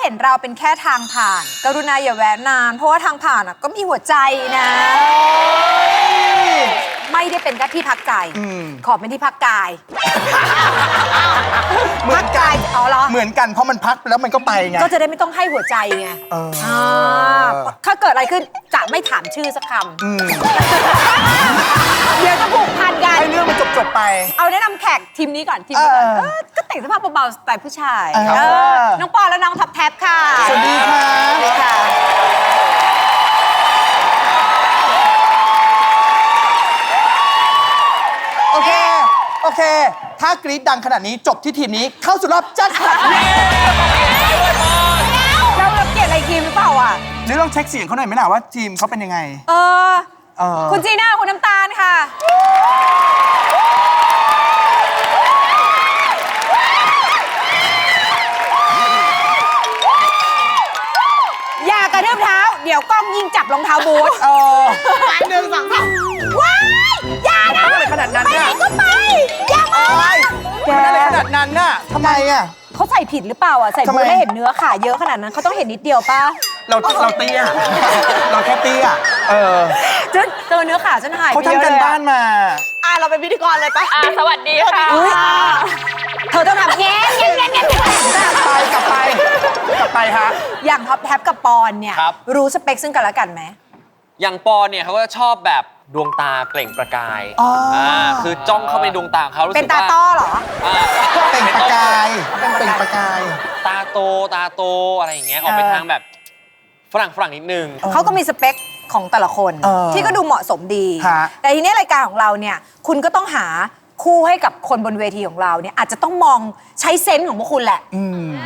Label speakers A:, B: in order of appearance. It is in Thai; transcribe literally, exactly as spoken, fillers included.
A: ห็นเราเป็นแค่ทางผ่านกรุณาอย่าแวะนานเพราะว่าทางผ่านก็มีหัวใจนะไม่ได้เป็นแค่ที่พักใจขอเป็นที่พักกาย
B: เหมือนกัน
A: อ๋อเหรอ
B: เหมือนกันเพราะมันพักแล้วมันก็ไปไง
A: ก็จะได้ไม่ต้องให้หัวใจไงถ้าเกิดอะไรขึ้นจะไม่ถามชื่อสักคำเดี๋ยวจะผูกพันกัน
B: ให้เรื่องมันจบๆไป
A: เอาแนะนำแขกทีมนี้ก่อนทีมนี้ก่อนก็แต่งสภาพเบาๆสไตล์ผู้ชายน้องปอและน้องท็อปแท็บค่ะ
B: สวัสดีค่ะ
A: สวัสดีค่ะ
B: โอเคโอเคถ้ากรี๊ดดังขนาดนี้จบที่ทีมนี้เข้าสู่รอบแจ็คพอต
A: เราเราเกลียดอะไรทีมหรือเปล่าอ่ะ
B: หรือลองเช็คเสียงเขาหน่อยไหมล่ะว่าทีมเขาเป็นยังไง
A: เออคุณจีน่าคุณน้ำตาลค่ะอย่ากระทืบเท้าเดี๋ยวกล้องยิงจับรองเท้าบูท
B: เออไปหนึ่งสองสาม
A: ว้ายอย่านะ
B: อะไรขนาดนั้น
A: ไปไหนก็ไปอย่ามา
B: แกอะไรขนาดนั้นน่ะทำไมอ่ะ
A: เขาใส่ผิดหรือเปล่าอ่ะใส่บูทได้เห็นเนื้อขาเยอะขนาดนั้นเขาต้องเห็นนิดเดียวป่ะ
B: เราเราเตี้ยเราแค่เตี้ยเออ
A: จนเจอเนื้อขาฉันหาย
B: เขาทำกันบ้านมา
A: อ่ะเราเป็นพิธีกรเลยป่ะ
C: อ่ะสวัสดีค่ะ
A: เธอต้องทำแง่แง่แง่แง่
B: ไปกลับไปกลับไปฮะ
A: อย่างท็อปแท็บกับปอนเนี่ยรู้สเปคซึ่งกันและกันไหม
C: อย่างปอนเนี่ยเขาก็ชอบแบบดวงตาเปล่งประกายอ่าคือจ้องเข้าไปดวงตาเขารู้สึกว่า
A: เป็นตาต้อเหรอ
B: เปล่งประกายเป็นเปล่งประกาย
C: ตาโตตาโตอะไรอย่างเงี้ยออกไปทางแบบฝรั่งฝรั่งนิดนึง
A: เขาก็มีสเปคของแต่ละคนที่ก็ดูเหมาะสมดีแต่ทีนี้รายการของเราเนี่ยคุณก็ต้องหาคู่ให้กับคนบนเวทีของเราเนี่ยอาจจะต้องมองใช้เซนส์ของพวกคุณแหละ